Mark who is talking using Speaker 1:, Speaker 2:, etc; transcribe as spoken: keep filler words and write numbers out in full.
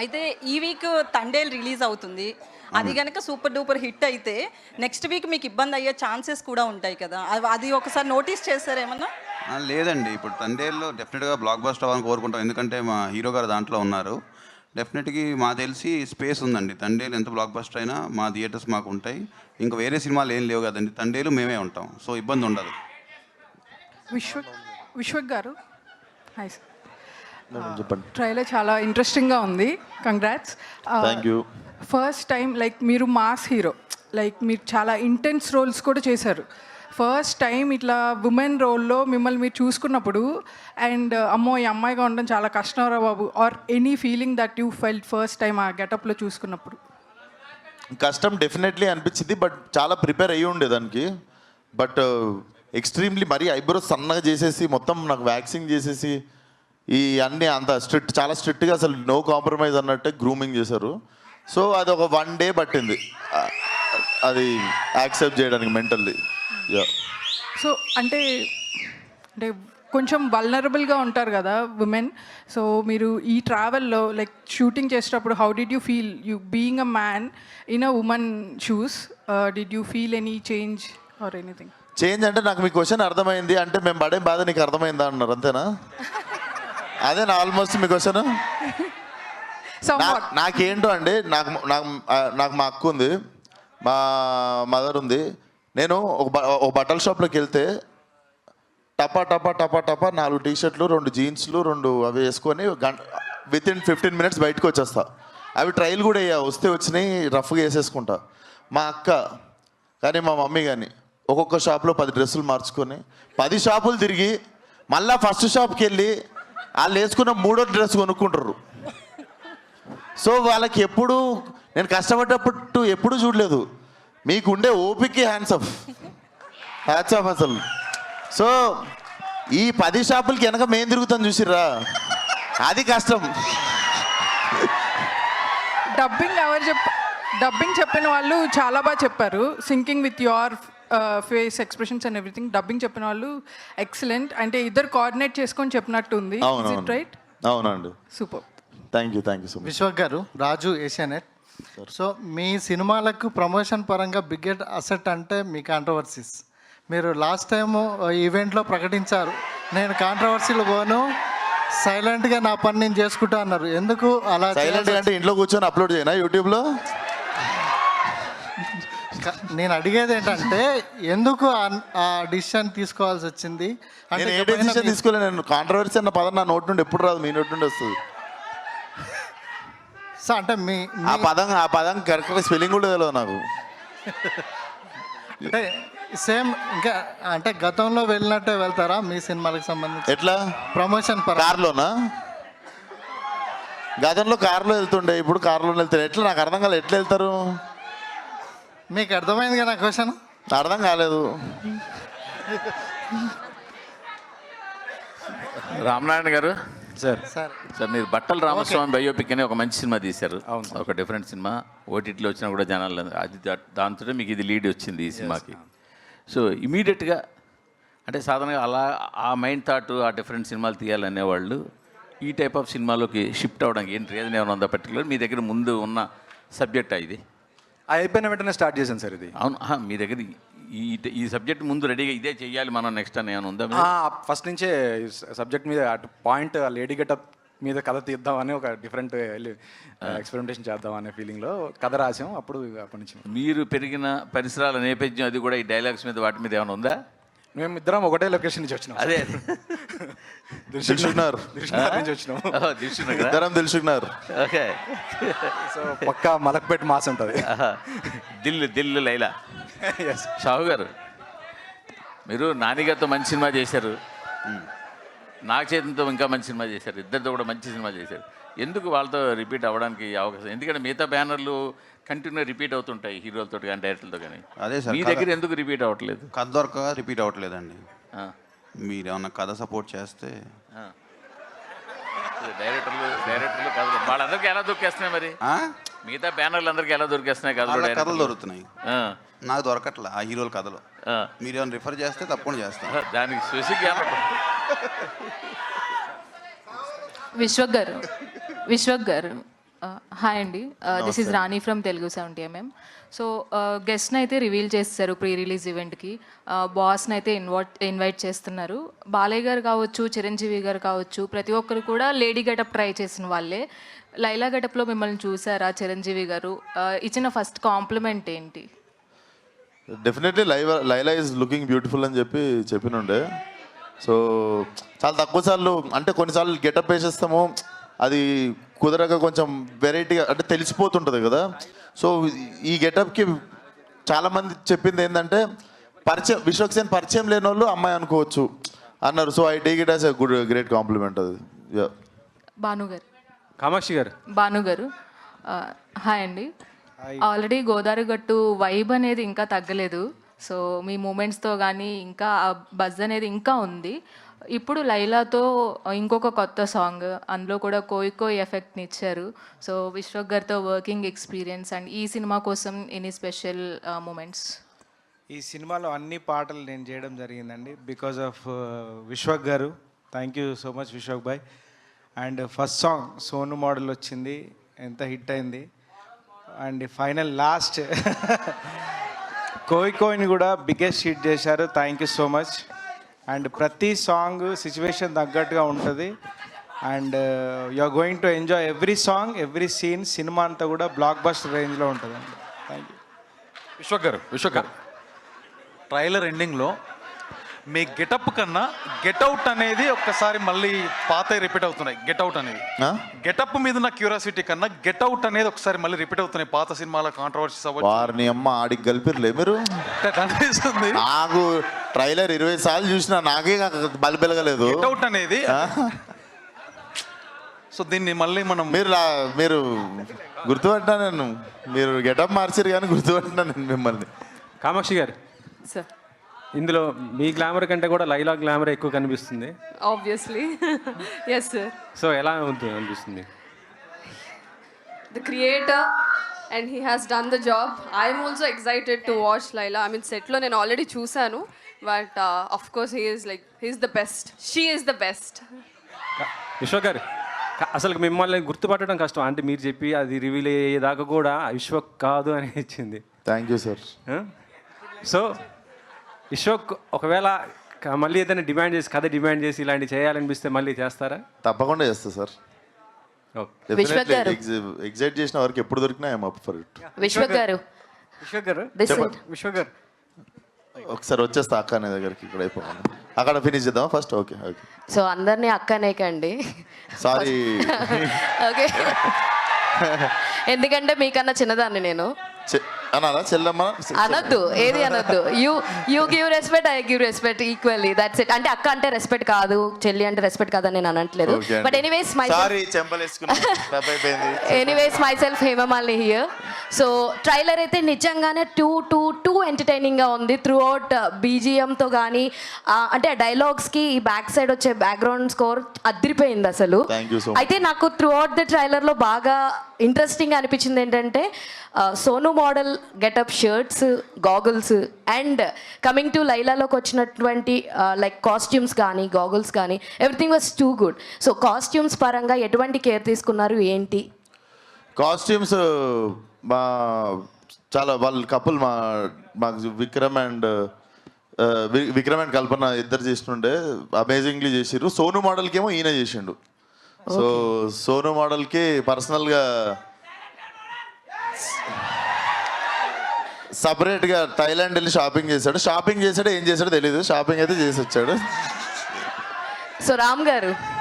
Speaker 1: అయితే ఈ week Thandel release అవుతుంది. అది గనక సూపర్ డూపర్ హిట్ అయితే నెక్స్ట్ వీక్ మీకు ఇబ్బంది అయ్యే ఛాన్సెస్ కూడా ఉంటాయి కదా. అవి అది ఒకసారి నోటీస్ చేశారా ఏమన్నా?
Speaker 2: ఆ, లేదండి. ఇప్పుడు తండేల్లో డెఫినెట్గా బ్లాక్ బస్టర్ అవ్వాలని కోరుకుంటాం. ఎందుకంటే మా హీరో గారు దాంట్లో ఉన్నారు. డెఫినెట్గా మా తెలిసి స్పేస్ ఉందండి. తండేలు ఎంత బ్లాక్ బస్టర్ అయినా మా థియేటర్స్ మాకు ఉంటాయి. ఇంకా వేరే సినిమాలు ఏం లేవు కదండి. తండేలు మేమే ఉంటాం, సో ఇబ్బంది ఉండదు.
Speaker 3: విశ్వ విశ్వక్ గారు హాయ్ సార్.
Speaker 4: చెప్పండి.
Speaker 3: ట్రైలర్ చాలా ఇంట్రెస్టింగ్గా ఉంది. Congrats.
Speaker 4: Thank you.
Speaker 3: First time like మీరు మాస్ హీరో, లైక్ మీరు చాలా ఇంటెన్స్ రోల్స్ కూడా చేశారు. ఫస్ట్ టైం ఇట్లా ఉమెన్ రోల్లో మిమ్మల్ని మీరు చూసుకున్నప్పుడు అండ్ అమ్మో ఈ అమ్మాయిగా ఉండడం చాలా కష్టం రా బాబు, or any feeling that you felt first time ఆ గెటప్లో చూసుకున్నప్పుడు?
Speaker 4: కష్టం డెఫినెట్లీ అనిపించింది, బట్ చాలా ప్రిపేర్ అయ్యి ఉండే దానికి. బట్ ఎక్స్ట్రీమ్లీ మరీ ఐబ్రోస్ సన్నగా చేసేసి మొత్తం నాకు వ్యాక్సింగ్ చేసేసి ఈ అన్నీ అంత స్ట్రిక్ట్, చాలా స్ట్రిక్ట్గా అసలు నో కాంప్రమైజ్ అన్నట్టే గ్రూమింగ్ చేశారు. సో అది ఒక వన్ డే పట్టింది అది యాక్సెప్ట్ చేయడానికి మెంటల్లీ. యా.
Speaker 3: సో అంటే అంటే కొంచెం వల్నరబుల్గా ఉంటారు కదా ఉమెన్. సో మీరు ఈ ట్రావెల్లో లైక్ షూటింగ్ చేసేటప్పుడు how did you feel you being a man in a women shoes? Did you feel any change or anything?
Speaker 4: Change అంటే నాకు మీ క్వశ్చన్ అర్థమైంది అంటే మేము పడే బాధ నీకు అర్థమైందా అన్నారు, అంతేనా? అదే నా ఆల్మోస్ట్ మీ క్వశ్చన్. నాకేంటో అండి, నాకు నాకు నాకు మా అక్క ఉంది, మా మదర్ ఉంది. నేను ఒక ఒక బట్టల షాప్లోకి వెళ్తే టపా టపా టపా టపా నాలుగు టీ షర్ట్లు, రెండు జీన్స్లు, రెండు అవి వేసుకొని గంట విత్ ఇన్ ఫిఫ్టీన్ మినిట్స్ బయటకు వచ్చేస్తా. అవి ట్రైల్ కూడా అయ్యా, వస్తే వచ్చినాయి రఫ్గా వేసేసుకుంటా. మా అక్క కానీ మా మమ్మీ కానీ ఒక్కొక్క షాప్లో పది డ్రెస్సులు మార్చుకొని పది షాపులు తిరిగి మళ్ళీ ఫస్ట్ షాప్కి వెళ్ళి వాళ్ళు వేసుకున్న మూడో డ్రెస్ కొనుక్కుంటారు. సో వాళ్ళకి ఎప్పుడు నేను కష్టపడ్డప్పుడు ఎప్పుడు చూడలేదు. మీకు ఉండే ఓపిక హ్యాండ్స్ ఆఫ్ హ్యాండ్స్ ఆఫ్ అసలు. సో ఈ పది షాపులకి వెనక మేము తిరుగుతాం చూసిర్రా, అది కష్టం.
Speaker 3: డబ్బింగ్ ఎవరు చెప్ప డబ్బింగ్ చెప్పిన వాళ్ళు చాలా బాగా చెప్పారు. Syncing with your face expressions and everything. Dubbing చెప్పిన వాళ్ళు ఎక్సలెంట్. అంటే ఇద్దరు కోఆర్డినేట్ చేసుకొని చెప్పినట్టు ఉంది. రైట్?
Speaker 4: అవునండి.
Speaker 3: Super.
Speaker 4: Thank you thank you so much.
Speaker 5: Vishwak garu, Raju Asianet. So మీ సినిమాలకు ప్రమోషన్ పరంగా బిగ్గెస్ట్ అసెట్ అంటే మీ కాంట్రవర్సీస్. మీరు లాస్ట్ టైము ఈవెంట్లో ప్రకటించారు, నేను కాంట్రవర్సీలు పోను, సైలెంట్గా నా పని నేను చేసుకుంటా అన్నారు. ఎందుకు అలా?
Speaker 4: సైలెంట్గా అంటే ఇంట్లో కూర్చొని అప్లోడ్ చేయనా యూట్యూబ్లో?
Speaker 5: నేను అడిగేది ఏంటంటే ఎందుకు ఆ డిసిషన్ తీసుకోవాల్సి వచ్చింది?
Speaker 4: నేను ఏ డిసిషన్ తీసుకోలేదు. నేను కాంట్రవర్సీ అన్న పదం నా నోటి నుండి ఎప్పుడు రాదు, మీ నోటి నుండి వస్తుంది.
Speaker 5: సో అంటే మీ
Speaker 4: ఆ పదం ఆ పదం కరెక్ట్గా స్పెల్లింగ్ కూడా తెలియదు నాకు.
Speaker 5: అంటే సేమ్ ఇంకా అంటే గతంలో వెళ్ళినట్టే వెళ్తారా మీ సినిమాలకు సంబంధించి?
Speaker 4: ఎట్లా?
Speaker 5: ప్రమోషన్
Speaker 4: కార్లోనా? గతంలో కార్లో వెళ్తుండే, ఇప్పుడు కార్లో వెళ్తారు. ఎట్లా నాకు అర్థం కాలేదు, ఎట్లా వెళ్తారు?
Speaker 5: మీకు అర్థమైంది కదా క్వశ్చన్?
Speaker 4: అర్థం కాలేదు.
Speaker 6: రామనారాయణ గారు
Speaker 7: సార్
Speaker 5: సార్
Speaker 6: సార్ మీరు బట్టల రామస్వామి బయోపిక్ అని ఒక మంచి సినిమా తీశారు. ఒక డిఫరెంట్ సినిమా, ఓటీటీలో వచ్చినా కూడా జనాలు అది దాంతో మీకు ఇది లీడ్ వచ్చింది ఈ సినిమాకి. సో ఇమీడియట్గా అంటే సాధారణంగా అలా ఆ మైండ్ థాట్ ఆ డిఫరెంట్ సినిమాలు తీయాలనేవాళ్ళు ఈ టైప్ ఆఫ్ సినిమాలోకి షిఫ్ట్ అవ్వడానికి ఏంటి రీజన్ ఏమైనా ఉందా పర్టికులర్? మీ దగ్గర ముందు ఉన్న సబ్జెక్టా ఇది?
Speaker 7: అయిపోయిన వెంటనే స్టార్ట్ చేశాను సార్ ఇది.
Speaker 6: అవును, మీ దగ్గర ఈ ఈ సబ్జెక్ట్ ముందు రెడీగా ఇదే చెయ్యాలి మనం నెక్స్ట్ అని ఏమైనా ఉందా?
Speaker 7: ఫస్ట్ నుంచే సబ్జెక్ట్ మీద అటు పాయింట్ లేడీ గెటప్ మీద కథ తీద్దామని ఒక డిఫరెంట్ ఎక్స్పెరిమెంటేషన్ చేద్దాం అనే ఫీలింగ్లో కథ రాసాం. అప్పుడు అప్పటి నుంచి
Speaker 6: మీరు పెరిగిన పరిసరాల నేపథ్యం అది కూడా ఈ డైలాగ్స్ మీద వాటి మీద ఏమైనా ఉందా?
Speaker 7: మేము ఇద్దరం ఒకటే లొకేషన్ నుంచి వచ్చినాం.
Speaker 6: అదే
Speaker 4: దిల్సుఖ్నగర్
Speaker 7: నుంచి వచ్చినాం.
Speaker 4: ఇద్దరం దిల్సుఖ్నగర్.
Speaker 6: ఓకే.
Speaker 7: సో పక్కా మలక్పేట్ మాస్ ఉంటుంది.
Speaker 6: దిల్ దిల్ లైలా. షాహు గారు, మీరు నానిగారితో మంచి సినిమా చేశారు, నాగ చైతన్యతో ఇంకా మంచి సినిమా చేశారు, ఇద్దరితో కూడా మంచి సినిమా చేశారు. ఎందుకు వాళ్ళతో రిపీట్ అవ్వడానికి అవకాశం? ఎందుకంటే మిగతా బ్యానర్లు కంటిన్యూ రిపీట్ అవుతుంటాయి హీరోలతో కానీ డైరెక్టర్లతో కానీ.
Speaker 2: అదే సార్,
Speaker 6: మీ దగ్గర ఎందుకు రిపీట్ అవ్వట్లేదు?
Speaker 2: కథ దొరక రిపీట్ అవ్వట్లేదండి. మీరు ఏమన్నా కథ సపోర్ట్ చేస్తే
Speaker 6: డైరెక్టర్లు డైరెక్టర్లు కథలు వాళ్ళందరికీ ఎలా దొరికేస్తున్నాయి మరి? మిగతా బ్యానర్లు అందరికీ ఎలా దొరికేస్తున్నాయి కథలు?
Speaker 2: కథలు దొరుకుతున్నాయి, నాకు దొరకట్లే ఆ హీరోల కథలు. మీరు ఏమైనా రిఫర్ చేస్తే తప్పకుండా చేస్తాను.
Speaker 6: దానికి స్పెసిఫిక్
Speaker 8: విశ్వక్ గారు విశ్వక్ గారు హాయ్ అండి, this is Rani from Telugu seventy MM. So గెస్ట్ని అయితే రివీల్ చేస్తారు ప్రీ రిలీజ్ ఈవెంట్కి. బాస్ని అయితే ఇన్వైట్ ఇన్వైట్ చేస్తున్నారు. బాలయ్య గారు కావచ్చు, చిరంజీవి గారు కావచ్చు, ప్రతి ఒక్కరు కూడా లేడీ గెటప్ ట్రై చేసిన వాళ్ళే. లైలా గెటప్లో మిమ్మల్ని చూసారా చిరంజీవి గారు? Uh, ఇచ్చిన ఫస్ట్ కాంప్లిమెంట్ ఏంటి?
Speaker 4: Definitely live Laila is looking beautiful అని చెప్పి చెప్పినుండే. సో చాలా తక్కువ సార్లు, అంటే కొన్నిసార్లు గెటప్ వేసేస్తాము, అది కుదరక కొంచెం వెరైటీగా అంటే తెలిసిపోతుంటుంది కదా. సో ఈ గెటప్కి చాలామంది చెప్పింది ఏంటంటే పరిచయం, విశ్వక్సేన్ పరిచయం లేని వాళ్ళు అమ్మాయి అనుకోవచ్చు అన్నారు. So I take it as a good great compliment అది.
Speaker 8: భాను గారు.
Speaker 7: కామాక్షి గారు.
Speaker 8: భాను గారు హాయ్ అండి. ఆల్రెడీ గోదావరి గట్టు వైబ్ అనేది ఇంకా తగ్గలేదు. సో మీ మూమెంట్స్తో కానీ ఇంకా బజ్ అనేది ఇంకా ఉంది. ఇప్పుడు లైలాతో ఇంకొక కొత్త సాంగ్, అందులో కూడా కోయి కోయి ఎఫెక్ట్ని ఇచ్చారు. సో విశ్వక్ గారితో వర్కింగ్ ఎక్స్పీరియన్స్ అండ్ ఈ సినిమా కోసం ఎనీ స్పెషల్ మూమెంట్స్?
Speaker 9: ఈ సినిమాలో అన్ని పాటలు నేను చేయడం జరిగిందండి because of Vishwak garu. Thank you so much Vishwak బాయ్. And first song Sonu model వచ్చింది, ఎంత హిట్ అయింది. అండ్ ఫైనల్ లాస్ట్ కోయి కోయిని కూడా బిగ్గెస్ట్ హిట్ చేశారు. Thank you so much. And ప్రతి సాంగ్ సిచ్యువేషన్ తగ్గట్టుగా ఉంటుంది. And you are going to enjoy every song, every scene. Cinema అంతా కూడా బ్లాక్ బస్టర్ రేంజ్లో ఉంటుందండి. Thank you.
Speaker 10: విశ్వక్ గారు, విశ్వక్ గారు, ట్రైలర్ ఎండింగ్లో మీ గెటప్ కన్నా గెట్అవుట్ అనేది ఒక్కసారి మళ్ళీ పాత రిపీట్ అవుతున్నాయి. గెట్అవుట్ అనేది గెటప్ మీద ఉన్న క్యూరియాసిటీ కన్నా గెట్అవుట్ అనేది ఒకసారి మళ్ళీ రిపీట్ అవుతున్నాయి. పాత సినిమాల కాంట్రవర్సీస్ అవ్వచ్చు.
Speaker 4: వారిని అమ్మ ఆడికి కలిపిర్లే మీరు.
Speaker 10: అనిపిస్తుంది
Speaker 4: నాకు ట్రైలర్ ఇరవై సార్లు చూసినా నాకే బలి పెరగలేదు.
Speaker 10: గెట్అవుట్ అనేది. సో దీన్ని మళ్ళీ మనం
Speaker 4: మీరు లా- మీరు గుర్తుపట్టినా నేను, మీరు గెటప్ మార్చారు కానీ గుర్తుపట్టినా నేను మిమ్మల్ని.
Speaker 7: కామాక్షి గారు,
Speaker 8: సార్.
Speaker 7: ఇందులో మీ గ్లామర్ కంటే కూడా లైలా గ్లామర్ ఎక్కువ కనిపిస్తుంది.
Speaker 11: Obviously. Yes, sir.
Speaker 7: సో ఎలా ఉంటుంది అనిపిస్తుంది?
Speaker 11: The creator, and he has done the job. I'm also excited to watch Laila. I mean, set lo నేను already చూసాను, but uh, of course he is like, he's the best. She is the best.
Speaker 7: Vishwak గారు, క- అసలు మిమ్మల్ని గుర్తుపట్టడం కష్టం. అంటే మీరు చెప్పి అది రివీల్ అయ్యేదాకా కూడా విశ్వక్ కాదు అని ఇచ్చింది.
Speaker 4: Thank you sir.
Speaker 7: So Vishwak ఒకవేళ క- మళ్ళీ ఏదైనా డిమాండ్ చేసి కథ డిమాండ్ చేసి ఇలాంటి చేయాలనిపిస్తే మళ్ళీ చేస్తారా?
Speaker 4: తప్పకుండా చేస్తా సార్.
Speaker 7: ఓకే.
Speaker 8: విశ్వక్ గారు.
Speaker 4: ఎగ్జైట్ చేసిన వరకు ఎప్పుడు దొరికినా I'm up for it.
Speaker 8: Vishwak garu,
Speaker 7: Vishwak గారు,
Speaker 8: this
Speaker 4: చెప్పండి.
Speaker 7: విశ్వక్ గారు,
Speaker 4: ఒకసారి వచ్చేస్తా అక్క అనే దగ్గరికి, ఇక్కడ అయిపోవాలి. అక్కడ ఫినిష్ చేద్దాం ఫస్ట్. ఓకే ఓకే
Speaker 8: సో అందరినీ అక్కనే కండి.
Speaker 4: సారీ.
Speaker 8: ఓకే, ఎందుకంటే మీకన్నా చిన్నదాన్ని నేను.
Speaker 4: అన్నారా చెల్లమ్మ?
Speaker 8: అనొద్దు, ఏది అనొద్దు. You you give respect, I give respect equally. That's it. అంటే అక్క అంటే రెస్పెక్ట్ కాదు, చెల్లి అంటే రెస్పెక్ట్ కాదని నేను అనట్లేదు. బట్ ఎనీవేస్ మై
Speaker 4: సారీ చెంపలేసుకున్నా.
Speaker 8: Anyways my self Hemamalini here. So trailer అయితే నిజంగానే టూ టూ టూ ఎంటర్టైనింగ్గా ఉంది. త్రూ అవుట్ బీజిఎంతో కానీ అంటే డైలాగ్స్కి ఈ బ్యాక్ సైడ్ వచ్చే బ్యాక్గ్రౌండ్ స్కోర్ అదిరిపోయింది అసలు.
Speaker 4: Thank you so much.
Speaker 8: అయితే నాకు త్రూ అవుట్ ద ట్రైలర్లో బాగా ఇంట్రెస్టింగ్ అనిపించింది ఏంటంటే Sonu model getup, shirts, goggles and coming to లైలాలోకి వచ్చినటువంటి లైక్ కాస్ట్యూమ్స్ కానీ గాగుల్స్ కానీ everything was too good. So costumes పరంగా ఎటువంటి కేర్ తీసుకున్నారు ఏంటి?
Speaker 4: కాస్ట్యూమ్స్ మా చాలా వాళ్ళ కపుల్ మా మాకు విక్రమ్ అండ్ విక్రమ్ అండ్ కల్పన ఇద్దరు చేస్తుండే అమేజింగ్లీ చేసిర్రు. సోను మోడల్కి ఏమో ఈయన చేసిండు. సో సోను మోడల్కి పర్సనల్గా సపరేట్గా థైలాండ్ వెళ్ళి షాపింగ్ చేశాడు. షాపింగ్ చేశాడో ఏం చేశాడో తెలియదు, షాపింగ్ అయితే చేసి వచ్చాడు.
Speaker 8: సో రామ్ గారు,